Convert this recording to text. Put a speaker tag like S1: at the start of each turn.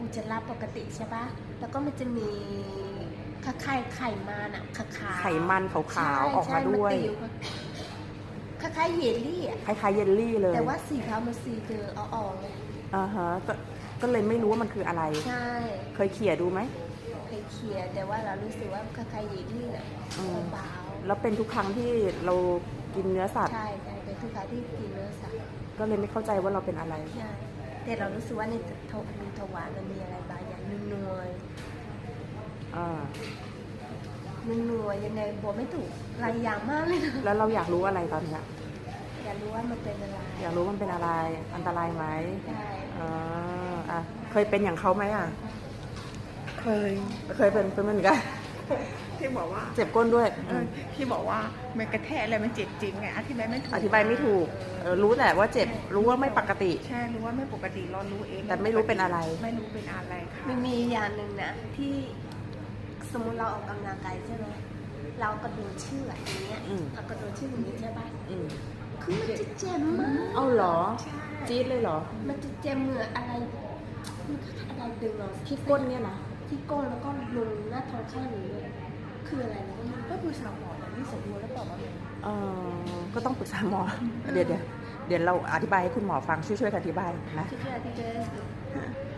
S1: จะรับปกติใช่ปะแล้วก็มันจะมีไข่มันอะขาว
S2: ไขมันขาวๆออกมาด้วย
S1: คล้ายๆเยลลี่อะ
S2: คล้ายๆเยลลี่เลย
S1: แต่ว่าสีเขามันสีคืออ่อนๆเลย
S2: อ่าฮะก็เลยไม่รู้ว่ามันคืออะไร
S1: ใช่
S2: เคยเขี่ยดูไหม
S1: เคยเคียร์แต่ว่าเรารู้สึกว่าคล้ายๆเยลลี่อะเบา
S2: แล้วเป็นทุกครั้งที่เรากินเนื้อสัต
S1: ๆ
S2: ว์
S1: ใช่เป็นทุกครั้งที่กินเนื้อสัตว์
S2: ก็เลยไม่เข้าใจว่าเราเป็นอะไร
S1: ใช่แต่เรารู้สึกว่าในมีถวานมันมีอะไรบางอย่างนัว
S2: อ่า
S1: นัวยังไงบอกไม่ถูกหลายอย่างมากเลยนะ
S2: แล้วเราอยากรู้อะไรตอนเนี้ย
S1: อยากรู้ว่ามันเป็นอะไร
S2: อยากรู้มันเป็นอะไร อันตรายไหม
S1: ใช่
S2: อ่ะเคยเป็นอย่างเขาไหมอ่ะ เคยเป็นเหมือนกัน
S3: ที่บอกว่า
S2: เจ็บก้นด้วย
S3: ที่บอกว่ามันกระแทกอะไรมันเจ็บจริงไงอธิบายไม่ถูก
S2: อธิบายไม่ถูกรู้แต่ว่าเจ็บ รู้ว่าไม่ปกติ
S3: ใช่รู้ว่าไม่ปกติเรารู้เอง
S2: แต่ไม่รู้เป็นอะไร
S3: ไม่รู้เป็นอะไรค่ะ
S1: มันมีอย่างหนึ่งนะที่สมมุติเราออกกำลังกายใช่ไหมเรากระโดดเชือกอย่างเงี้ย
S2: อืม
S1: เรากระโดดเชือกอย่างนี้ใช่ปะ
S2: อืม
S1: คือมันจะเจ็บมาก
S2: เอาเหรอ
S1: ใช่
S2: จี๊ดเลยเหรอ
S1: มันจะเจ็บเหมือนอะไรมันอะไรดึงเรา
S2: ที่ก้นเนี่ยนะ
S1: ที่ก้นแล้วก็ลงหน้าท้องข้างนี้เลยคืออะไรนะ
S3: ก็คือสาวหมอนะที่สมบูรณ์แล้วบอกว่าไง
S2: ก็ต้องปรึกษาหมอ เดี๋ยวเราอธิบายให้คุณหมอฟังช่วยกันอธิบายนะ
S1: ที่อธิบาย